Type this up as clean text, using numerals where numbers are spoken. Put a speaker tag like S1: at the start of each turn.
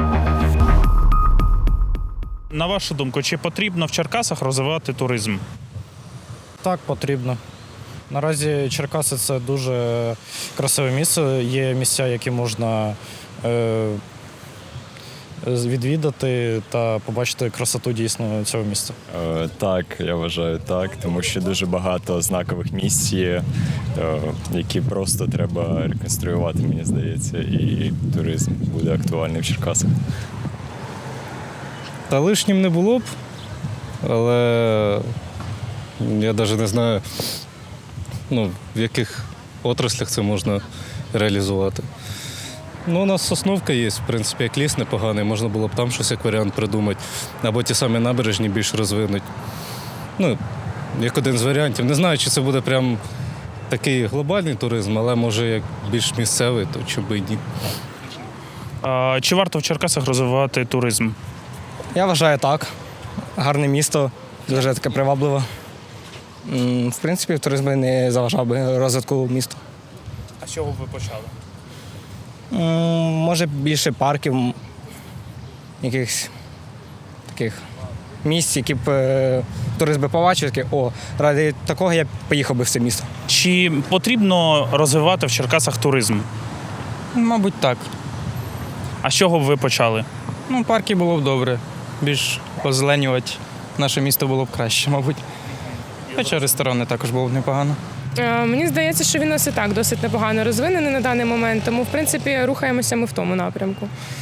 S1: На вашу думку, чи потрібно в Черкасах розвивати туризм?
S2: Так, потрібно. Наразі Черкаси – це дуже красиве місце. Є місця, які можна відвідати та побачити красоту дійсно цього міста.
S3: Так, я вважаю так, тому що дуже багато знакових місць є, які просто треба реконструювати, мені здається, і туризм буде актуальний в Черкасах.
S4: Та лишнім не було б, але я навіть не знаю, в яких отраслях це можна реалізувати. У нас Сосновка є, в принципі, як ліс непоганий, можна було б там щось як варіант придумати. Або ті самі набережні більш розвинуть. Як один з варіантів. Не знаю, чи це буде прям такий глобальний туризм, але може як більш місцевий, то чому б і ні.
S1: Чи варто в Черкасах розвивати туризм?
S5: Я вважаю так. Гарне місто, дуже таке привабливе. В принципі, туризм би не заважав би розвитку міста.
S1: А з чого б ви почали?
S5: Може більше парків, якихось таких місць, які б турист би побачив, такий, ради такого я б поїхав би в це місто.
S1: Чи потрібно розвивати в Черкасах туризм?
S6: Мабуть, так.
S1: А з чого б ви почали?
S6: Парки було б добре. Більш позеленювати наше місто було б краще, мабуть. Хоча ресторани також було б непогано.
S7: Мені здається, що він у нас і так досить непогано розвинений на даний момент, тому, в принципі, рухаємося ми в тому напрямку.